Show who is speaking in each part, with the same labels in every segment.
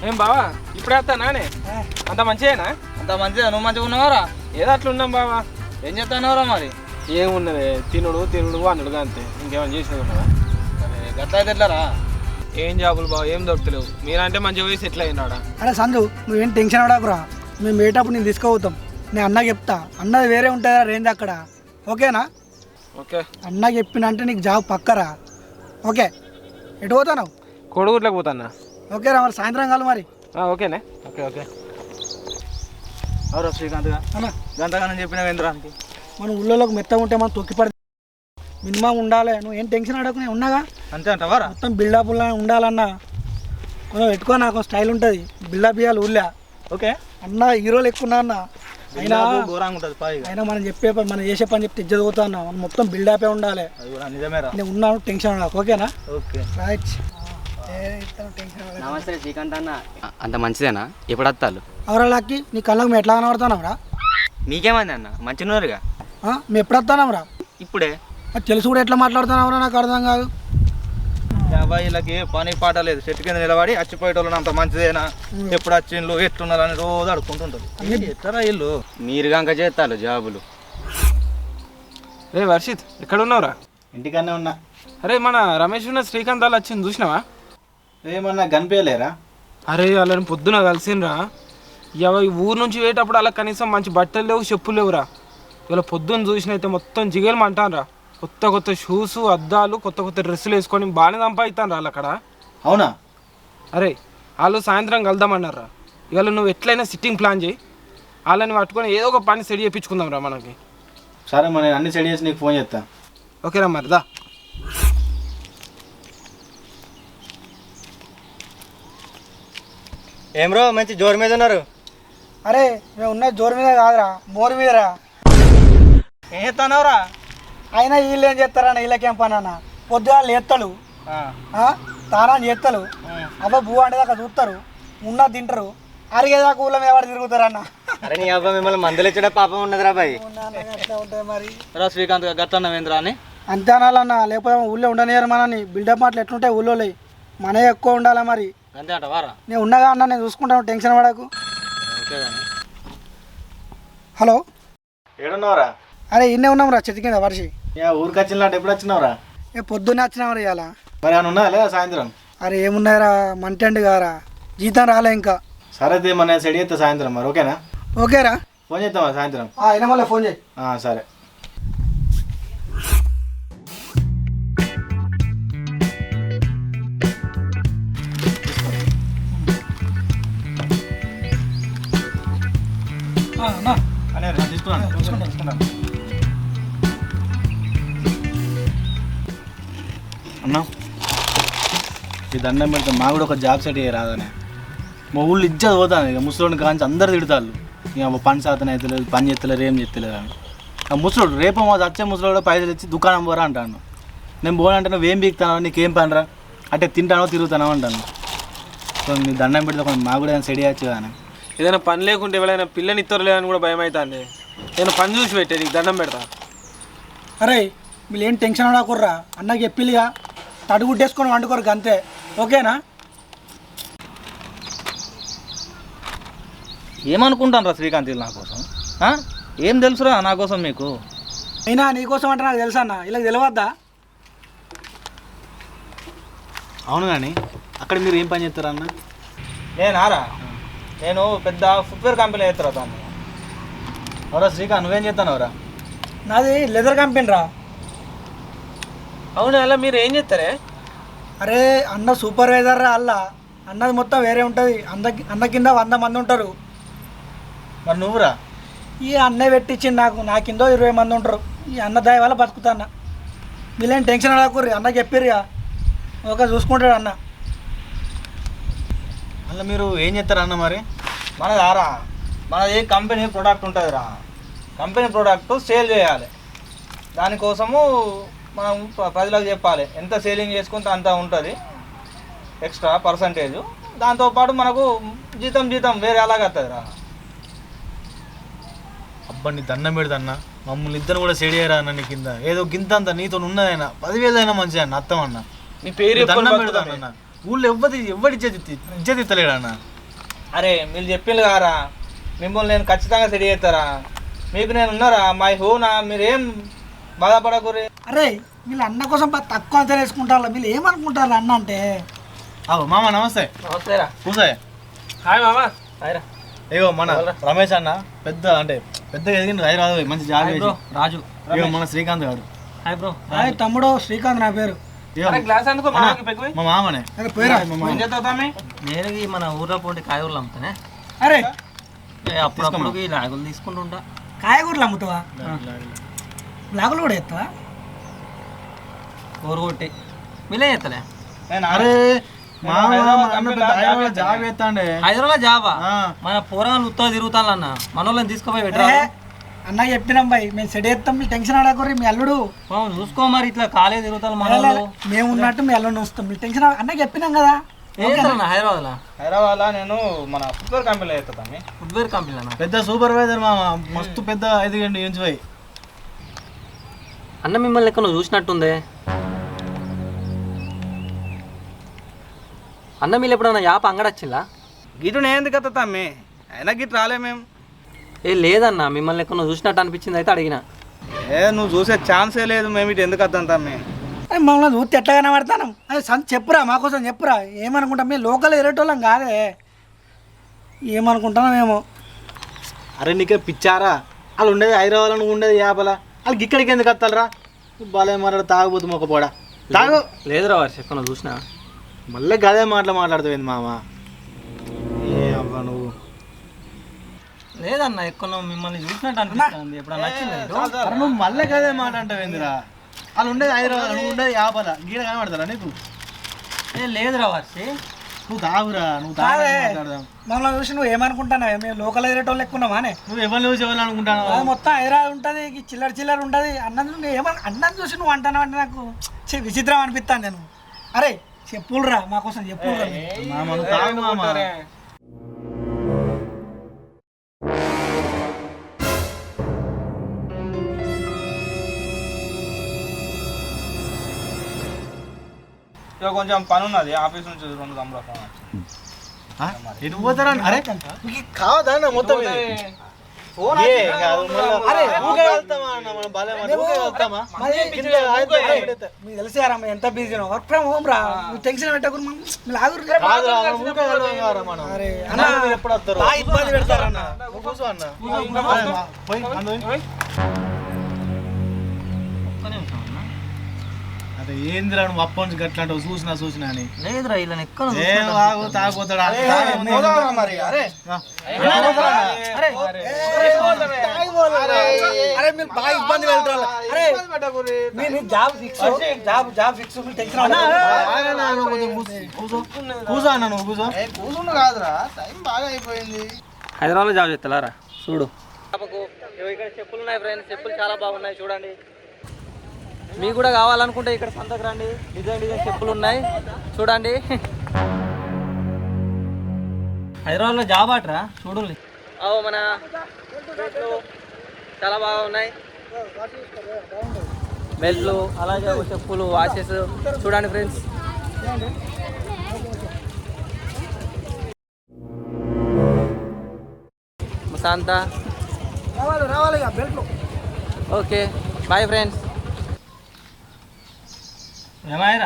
Speaker 1: ఏం బావా ఇప్పుడే వస్తానానే అంత మంచిదేనా?
Speaker 2: అంత మంచిగా నువ్వు మంచిగా ఉన్నావారా?
Speaker 1: ఏదో అట్లా ఉన్నాం బావా.
Speaker 2: ఏం చెప్తానవరా మరి?
Speaker 1: ఏమున్నది తినుడు అన్నుడుగా అంతే, ఇంకేమైనా చేసేది ఉన్నదా?
Speaker 2: సరే గట్ల అయితే ఎట్లారా?
Speaker 1: ఏం జాబులు బావ ఏం దొరుకుతలేవు. మీరంటే మంచిగా పోయి సెటిల్ అయినాడా?
Speaker 3: అరే సందు నువ్వేం టెన్షన్ పడకురా, మేము మేటప్పుడు నేను తీసుకుపోతాం. నేను అన్నకి చెప్తా, అన్నది వేరే ఉంటుందా రేంజ్ అక్కడ, ఓకేనా?
Speaker 1: ఓకే
Speaker 3: అన్నకి చెప్పినంటే నీకు జాబ్ పక్కరా. ఓకే ఎటు పోతాను?
Speaker 1: కొడుగుట్లోకి పోతానా?
Speaker 3: ఓకేరా మరి సాయంత్రం కాదు మరి.
Speaker 1: ఓకేనే.
Speaker 2: Okay okay. అవురా శ్రీకాంత్గా
Speaker 3: అన్న
Speaker 2: గంతగానం చెప్పిన వేంద్రానికి
Speaker 3: మనం ఊళ్ళోకి మెత్తగా ఉంటే మనం తొక్కి పడి మినిమం ఉండాలి. నువ్వు ఏం టెన్షన్ అడగకు, నేను ఉన్నాగా.
Speaker 2: అంతే అంటావారా?
Speaker 3: మొత్తం బిల్డప్ ఉండాలన్నా కొంచెం పెట్టుకో, నాకు స్టైల్ ఉంటుంది. బిల్డప్ ఇవ్వాలి ఊళ్ళో.
Speaker 2: ఓకే
Speaker 3: అన్న హీరోలు ఎక్కువ ఉన్నా అన్న. అయినా
Speaker 2: ఘోరంగా ఉంటుంది పాయి.
Speaker 3: అయినా మనం చెప్పే పని మనం చేసే పని చెప్తే ఇజ్జత పోతా అన్న. మనం మొత్తం బిల్డపే ఉండాలి.
Speaker 2: అది కూడా నిజమేరా.
Speaker 3: నేను ఉన్నాను, టెన్షన్ ఉండకు, ఓకేనా?
Speaker 2: Okay
Speaker 3: right.
Speaker 4: నమస్తే శ్రీకాంత్ అన్న. అంత మంచిదేనా? ఎప్పుడు వస్తాను?
Speaker 3: అవరా లాక్కి నీ కళ్ళకు మేము ఎట్లా కనబడుతున్నాంరా?
Speaker 4: మీకేమైంది అన్న? మంచిగా
Speaker 3: మేము ఎప్పుడు వస్తున్నాంరా?
Speaker 4: ఇప్పుడే.
Speaker 3: తెలుసు కూడా ఎట్లా మాట్లాడుతున్నావురా, నాకు అర్థం కాదు.
Speaker 2: వీళ్ళకి పని పాట లేదు. చెట్టు కింద నిలబడి చచ్చిపోయేటోళ్ళు అంత మంచిదేనా, ఎప్పుడు వచ్చిండ్రు ఎట్లున్నారు అని రోజు అడుక్కుంటుంటారు. ఎట్లరా ఇల్లు?
Speaker 4: మీరు కనుక చేస్తారు జాబులు.
Speaker 1: రే వర్షిత్ ఎక్కడ ఉన్నావురా?
Speaker 2: ఇంటికన్నా ఉన్నా.
Speaker 1: అరే మన రమేష్ ఉన్న శ్రీకాంత్ వాళ్ళు వచ్చింది చూసినావా?
Speaker 2: ఏమన్నా కనిపించలేరా?
Speaker 1: అరే వాళ్ళని పొద్దున కలిసిండ్రా. ఈ ఊరు నుంచి పోయేటప్పుడు అలా కనీసం మంచి బట్టలు లేవు, చెప్పులు లేవురా. ఇవాళ పొద్దున్న చూసినైతే మొత్తం జిగేలు అంటారా. కొత్త షూస్, అద్దాలు, కొత్త డ్రెస్సులు వేసుకొని బాగానే సంపాదిస్తాను రా వాళ్ళు అక్కడ.
Speaker 2: అవునా?
Speaker 1: అరే వాళ్ళు సాయంత్రం కలుద్దామన్నారా. ఇవాళ నువ్వు ఎట్లయినా సిట్టింగ్ ప్లాన్ చేయి, వాళ్ళని పట్టుకొని ఏదో ఒక పని సెట్ చేయించుకుందాం రా మనకి.
Speaker 2: సరే మరి నేను అన్ని సెట్ చేసి నీకు ఫోన్ చేస్తా.
Speaker 1: ఓకేరా మరిదా.
Speaker 2: ఏం రో మంచి జోరు మీద ఉన్నారు?
Speaker 3: అరే మేము ఉన్నది జోరు మీద కాదురా, మోరు మీదరా.
Speaker 2: ఏం చేస్తానవరా?
Speaker 3: అయినా వీళ్ళు ఏం చేస్తారన్న, వీళ్ళకేం పని అన్న. పొద్దుగాళ్ళు ఎత్తలు తానాన్ని చేత్తలు, అబ్బాయి భూ అంటే దాకా చూస్తారు, ఉన్న తింటారు, అరిగేదాకా ఊళ్ళో మీద పడి తిరుగుతారన్న.
Speaker 4: అరే నీ అబ్బాయి మిమ్మల్ని మందులు ఇచ్చడే పాపం ఉన్నదిరా బాయ్.
Speaker 3: అట్లా ఉంటుంది మరి.
Speaker 2: రా శ్రీకాంత్ గట్లన్న వేంద్రా అని
Speaker 3: అంతే అనాలన్న, లేకపోతే ఊళ్ళో ఉండనియరు మనని. బిల్డప్ మాటలు ఎట్లుంటాయి ఊళ్ళో, మనే ఎక్కువ ఉండాలి మరి.
Speaker 2: అంతే అంటవారా?
Speaker 3: నేను ఉండగా అన్న, నేను చూసుకుంటాను, టెన్షన్ పడకు. హలో
Speaker 2: ఏడున్నావురా?
Speaker 3: అరే ఇన్నే ఉన్నాం రా, చెట్టు కింద వర్షి.
Speaker 2: ఊరికి వచ్చినట్టు ఎప్పుడు వచ్చినావురా?
Speaker 3: పొద్దున్నే వచ్చినాం రా ఇవాళ.
Speaker 2: మరి ఏమన్నా ఉన్నదా లేదా సాయంత్రం?
Speaker 3: అరే ఏమున్నాయిరా, మంటండి కారా, జీతం రాలే ఇంకా.
Speaker 2: సరే మన సెట్ చేస్తా సాయంత్రం మరి. ఓకేనా?
Speaker 3: ఓకేరా,
Speaker 2: ఫోన్ చేస్తామా సాయంత్రం?
Speaker 3: అయినా మళ్ళీ ఫోన్ చేయి.
Speaker 2: సరే. అన్నా ఈ దండం పెడితే మా కూడా ఒక జాబ్ సెట్ చేయరాదనే. మా ఊళ్ళు ఇజ్జత పోతాను. ఇక ముసలోడిని కాంచి అందరు తిడతారు, ఇక పని శాతం అవుతలేదు, పని చేస్తలేరు, ఏం చేస్తలేరు అని. ఆ ముసలోడు రేపు మా వచ్చే ముసలోడు పైసలు ఇచ్చి దుకాణం పోరా అంటాను. నేను పోనంటే నువ్వేం బీక్తానో, నీకేం పనిరా, అంటే తింటానో తిరుగుతానో అంటాను. సో నీ దండం పెడితే కొంచెం మా కూడా సెట్ చేయచ్చు కానీ.
Speaker 1: ఏదైనా పని లేకుంటే ఎవరైనా పిల్లని ఇత్తరలేదని కూడా భయం అవుతుంది. నేను పని చూసి పెట్టే నీకు దండం పెడతా.
Speaker 3: అరే మీరు ఏం టెన్షన్ పడకుర్రా, అన్నకి చెప్పిలిగా, తడుగుడ్డేసుకొని వండుకోరు అంతే, ఓకేనా?
Speaker 2: ఏమనుకుంటాను రా శ్రీకాంత్ నా కోసం? ఏం తెలుసురా నా కోసం మీకు?
Speaker 3: అయినా నీకోసం అంటే నాకు తెలుసా అన్న, ఇలా తెలియవద్దా?
Speaker 2: అవును కానీ అక్కడ మీరు ఏం పని చేస్తారా అన్న? నేనారా? నేను పెద్ద ఫుట్వేర్ కంపెనీ చేస్తారా దాన్ని. అవురా శ్రీకాంత్, నువ్వేం చేస్తాను అవరా?
Speaker 3: నాది లెదర్ కంపెనీ రా.
Speaker 1: అవును అలా మీరు ఏం చేస్తారే?
Speaker 3: అరే అన్న సూపర్వైజర్ రా. అల్ల అన్నది మొత్తం వేరే ఉంటుంది. అన్న కింద 100 మంది ఉంటారు.
Speaker 2: మరి నువ్వురా?
Speaker 3: ఈ అన్న పెట్టించింది నా కింద 20 మంది ఉంటారు. ఈ అన్న దయ వల్ల బతుకుతా అన్న. వీళ్ళేం టెన్షన్ అడగకూర్రి, అన్న చెప్పిర్రిగా, ఓకే చూసుకుంటాడు అన్న.
Speaker 2: అలా మీరు ఏం చేస్తారా అన్న మరి? మనదారా, మనది కంపెనీ ప్రోడక్ట్ ఉంటుంది రా. కంపెనీ ప్రోడక్ట్ సేల్ చేయాలి. దానికోసము మనం ప్రజలకు చెప్పాలి ఎంత సేలింగ్ చేసుకుంటే అంత ఉంటుంది ఎక్స్ట్రా పర్సంటేజ్. దాంతోపాటు మనకు జీతం వేరే అలాగ వస్తుంది రా. అబ్బండి దండం పెడతన్నా, మమ్మల్ని ఇద్దరు కూడా సెడ్ చేయరా అన్న. నీ కింద ఏదో గింత అంత నీతో ఉన్నదైనా 10,000 అయినా మంచిగా అన్న, అర్థం అన్న.
Speaker 1: నీ పేరు
Speaker 2: దండం పెడతానన్న. ఊళ్ళో ఎవ్వడి ఇజ్జత్ ఇత్తలేడు అన్న. అరే మీరు చెప్పింది కారా, మిమ్మల్ని నేను ఖచ్చితంగా సెట్ చేస్తారా, మీకు నేను ఉన్నారా, మై హోనా, మీరేం బాధపడకూరి.
Speaker 3: అరే వీళ్ళు అన్న కోసం తక్కువ అంతా వేసుకుంటారు, వీళ్ళు ఏమనుకుంటారు అన్న అంటే.
Speaker 2: మామ నమస్తే.
Speaker 1: నమస్తేరా.
Speaker 2: కూసాయ్.
Speaker 1: హాయ్ మామ. హాయ్రా.
Speaker 2: ఇగో మన రమేష్ అన్న పెద్ద అంటే పెద్దగా ఎదిగింది హైదరాబాద్, మంచి జాబ్ చేసి.
Speaker 1: రాజు.
Speaker 2: ఇగో మన శ్రీకాంత్ గారు.
Speaker 1: Hi bro.
Speaker 3: హాయ్ తమ్ముడు, శ్రీకాంత్ నా పేరు.
Speaker 2: ఇగో
Speaker 1: గ్లాస్ అందుకో మామకి పెగ్గు.
Speaker 2: మా మామనే.
Speaker 3: అరే పోయిరా.
Speaker 1: ఏం చేస్తావు?
Speaker 5: నేను ఈ మన ఊర్లో పోటీ కాయగూరలు అమ్ముతానే.
Speaker 3: అరే
Speaker 5: అప్పుడప్పుడు ఈ లాగులు తీసుకుంటుంటా.
Speaker 3: కాయగూరలు అమ్ముతావా? బ్లాగులు కూడా ఎత్తావా?
Speaker 5: ఊరు కొట్టి మీలే చేస్తలే.
Speaker 2: అరే జాబ్ చేస్తాండే
Speaker 5: హైదరాబాద్ జాబా?
Speaker 2: ఆ.
Speaker 5: మన పోరాలు ఉత్తగా తిరుగుతాను అన్న, మన వాళ్ళని తీసుకుపోయి పెట్టరా.
Speaker 3: అన్న చెప్పినాం బాయ్, మేము సెట్ చేస్తాం, మీరు టెన్షన్ ఆడకూరి. మీ అల్లుడు
Speaker 5: చూసుకో మరి, ఇట్లా కాలే తిరుగుతాను మన వాళ్ళు.
Speaker 3: మేము ఉన్నట్టు మీ అల్లుడిని వస్తాం, మీరు టెన్షన్ అన్న చెప్పినాం కదా.
Speaker 5: ఏదన్నా హైదరాబాద్లో
Speaker 2: హైదరాబాద్లో నేను మన ఫుట్వేర్ కంపెనీలో చేస్తాను.
Speaker 5: ఫుట్వేర్ కంపెనీ అన్న.
Speaker 2: పెద్ద సూపర్వైజర్ మామ, మస్తు పెద్ద ఎదిగండి ఎంచిపోయి.
Speaker 5: అన్న మిమ్మల్ని ఎక్కడ చూసినట్టుందే. అన్న మీరు ఎప్పుడన్నా యాప అంగడొచ్చిందా?
Speaker 2: గిటు నేను ఎందుకు వస్తా తమ్మి, అయినా గిట్ రాలే మేము.
Speaker 5: ఏ లేదన్న, మిమ్మల్ని ఎక్కడ చూసినట్టు అనిపించింది అయితే అడిగిన.
Speaker 2: నువ్వు చూసే ఛాన్సే లేదు, మేము ఇటు ఎందుకు వద్దాం తమ్మి.
Speaker 3: అరే మమ్మల్ని చూస్తే ఎట్లా కనబడతాను? అదే సంత చెప్పురా, మాకోసం చెప్పురా. ఏమనుకుంటాం, మేము లోకల్ ఎరేటోళ్ళం కాదే, ఏమనుకుంటున్నాం మేము.
Speaker 2: అరే నీకే పిచ్చారా, వాళ్ళు ఉండేది హైదరాబాద్లో, నువ్వు ఉండేది యాపలా, వాళ్ళకి ఇక్కడికి ఎందుకు వస్తారా? బాలే మాట్లాడు, తాగబోతు ఒక పోడా తాగు.
Speaker 5: లేదురా వర్ష ఎక్కడ చూసినా.
Speaker 2: మళ్ళీ గదే మాట్లాడుతుంది మామ. ఏ అవ్వ నువ్వు.
Speaker 5: లేదన్న ఎక్కడ మిమ్మల్ని చూసినట్టు అనిపిస్తుంది. ఎప్పుడన్నా నచ్చింది
Speaker 2: అరే నువ్వు మళ్ళీ గదే మాట అంటావేందిరా? వాళ్ళు ఉండేది హైదరాబాద్, నువ్వు ఉండేది యాపలా, గీడ కనబడతారా నీకు?
Speaker 5: ఏ లేదురా వర్షి,
Speaker 2: నువ్వు తాగురా, నువ్వు తాగే మాట్లాడదాం.
Speaker 3: మమ్మల్ని చూసి నువ్వు ఏమనుకుంటున్నావు? మేము లోకల్ ఎరేటోళ్ళు ఎక్కున్నామానే?
Speaker 2: నువ్వు ఎవరిని చూసి ఎవరు అనుకుంటాను?
Speaker 3: మొత్తం హైదరాబాద్ ఉంటుంది, చిల్లర చిల్లర ఉంటుంది. అన్నం చూసి నువ్వు అంటాను అంటే నాకు విచిత్రం అనిపిస్తాను నేను. అరే చెప్పులురా, మాకోసం చెప్పులురా.
Speaker 2: మామ నువ్వు తాగు మామ.
Speaker 1: ఇక కొంచెం పని ఉన్నది ఆఫీస్ నుంచి 2 గంటల
Speaker 2: ఎటు పోతారా? అరే మీకు కావదా మొత్తం
Speaker 3: మీకు తెలిసారా ఎంత బిజీ వర్క్ ఫ్రమ్ హోమ్ రా, నువ్వు టెన్షన్ పెట్టకూడదు.
Speaker 2: ఎప్పుడు వస్తారు?
Speaker 3: ఇబ్బంది పెడతారన్న.
Speaker 2: కూర్చో అన్న. అదే ఏందిరా నువ్వు అప్పటి నుంచి గట్లా అంటావు, చూసినా అని.
Speaker 5: లేదురా ఇలా ఎక్కడ
Speaker 2: తాగిపోతాడా?
Speaker 3: అరే మీరు బాగా ఇబ్బంది పెడతారు. అరే మీరు జాబ్ ఫిక్స్, జాబ్ ఫిక్స్, మీరు టెన్షన్
Speaker 2: కూర్చో అన్న, నువ్వు కూర్చో.
Speaker 1: కూర్చుండు కాదురా, టైం బాగా అయిపోయింది.
Speaker 5: హైదరాబాద్లో జాబ్ చేస్తారా? చూడు ఇక్కడ చెప్పులు ఉన్నాయి ఫ్రెండ్స్, చెప్పులు చాలా బాగున్నాయి చూడండి. మీకు కూడా కావాలనుకుంటే ఇక్కడ సంతకు రండి, డిజైన్ చెప్పులు ఉన్నాయి చూడండి. హైదరాబాద్లో జాబ్ ఆటరా చూడు. మన చాలా బాగా ఉన్నాయి బెల్ట్లు, అలాగే చెప్పులు, వాచెస్ చూడండి ఫ్రెండ్స్. శాంత
Speaker 3: రావాలి బెల్ట్లు.
Speaker 5: Okay bye friends. ఏమాయరా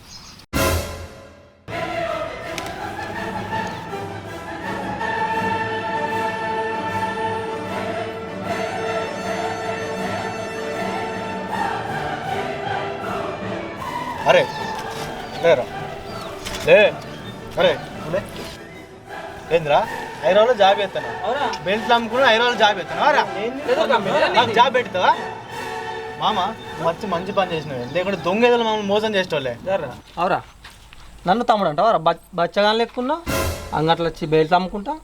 Speaker 2: అరే లేరా లే. అరే ఏంద్రా హైదరాబాద్లో జాబ్ చేస్తాను, బెల్ట్లు అమ్ముకుని హైదరాబాద్లో జాబ్ చేస్తాను. నాకు జాబ్ పెడతావా మామ? మంచి పని చేసినవి, లేకుంటే దొంగ ఏదో మమ్మల్ని మోసం చేసేటోళ్ళే.
Speaker 5: అవురా నన్ను తమ్ముడు అంటావా? బచ్చగాని లెక్కున్నా అంగట్లో వచ్చి బెల్ట్ అమ్ముకుంటా.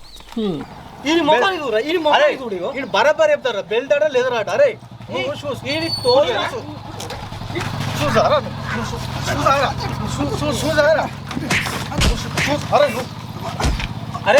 Speaker 2: బరాబర్ చెప్తారా బెల్ట్ ఆట లేదరా? అరే
Speaker 5: అరే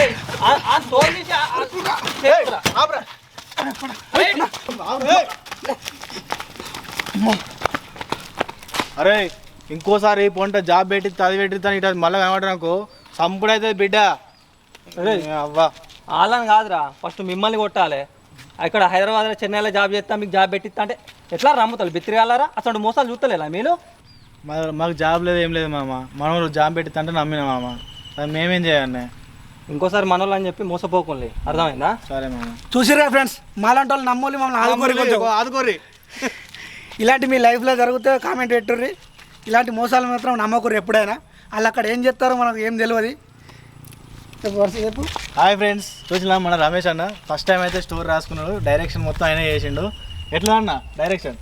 Speaker 2: అరే ఇంకోసారి పొంట జాబ్ పెట్టి అది పెట్టి ఇట్లా మళ్ళీ కనబడి నాకు సంపుడైతే బిడ్డ. అవ్వా
Speaker 5: వాళ్ళని కాదురా ఫస్ట్ మిమ్మల్ని కొట్టాలి. ఇక్కడ హైదరాబాద్లో చెన్నైలో జాబ్ చేస్తా మీకు జాబ్ పెట్టిస్తా అంటే ఎట్లా రమ్ముతారు బిత్తిరిగాలరా? అసలు మోసాలు చూస్తలేలా మీరు?
Speaker 2: మాకు జాబ్ లేదు ఏం లేదు మామ. మనం జాబ్ పెట్టి అంటే నమ్మిన మామ, అది మేమేం చేయాలి?
Speaker 5: ఇంకోసారి మనోళ్ళు అని చెప్పి మోసపోకుండా, అర్థమైందా?
Speaker 2: సరే మామ.
Speaker 3: చూసిరా ఫ్రెండ్స్, మాలాంటి వాళ్ళు నమ్మోళ్ళు మమ్మల్ని ఆదుకోరి కొంచెం.
Speaker 2: ఆదుకోరి.
Speaker 3: ఇలాంటి మీ లైఫ్లో జరిగితే కామెంట్ పెట్టుర్రి. ఇలాంటి మోసాలు మాత్రం నమ్మకూరు ఎప్పుడైనా. వాళ్ళు అక్కడ ఏం చేస్తారో మనకు ఏం తెలియదు. చెప్పు.
Speaker 2: హాయ్ ఫ్రెండ్స్, చూసినా మన రమేష్ అన్న ఫస్ట్ టైం అయితే స్టోర్ రాసుకున్నాడు. డైరెక్షన్ మొత్తం ఆయన చేసిండు. ఎట్లా అన్న డైరెక్షన్?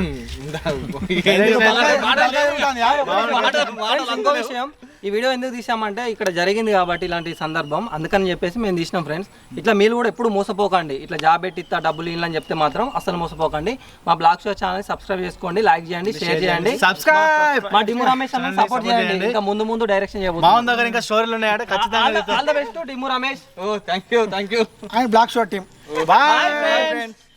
Speaker 5: ఇంకో విషయం, ఈ వీడియో ఎందుకు తీసామంటే ఇక్కడ జరిగింది కాబట్టి ఇలాంటి సందర్భం, అందుకని చెప్పేసి మేము తీసినాం ఫ్రెండ్స్. ఇట్లా మీరు కూడా ఎప్పుడు మోసపోకండి. ఇట్లా జాబ్ పెట్టి ఇస్తా డబ్బులు ఇల్లు అని చెప్తే మాత్రం అసలు మోసపోకండి. మా బ్లాగ్ షో ఛానల్ సబ్స్క్రైబ్ చేసుకోండి, లైక్ చేయండి, షేర్ చేయండి,
Speaker 2: సబ్స్క్రైబ్.
Speaker 5: మా డిము రమేష్ అన్న సపోర్ట్ చేయండి. ఇంకా ముందు ముందు డైరెక్షన్
Speaker 2: మా దగ్గర ఇంకా స్టోరీలు ఉన్నాయట, ఖచ్చితంగా
Speaker 5: all the best Dimu Ramesh.
Speaker 2: Thank you
Speaker 3: and black shot team.
Speaker 2: Bye friends.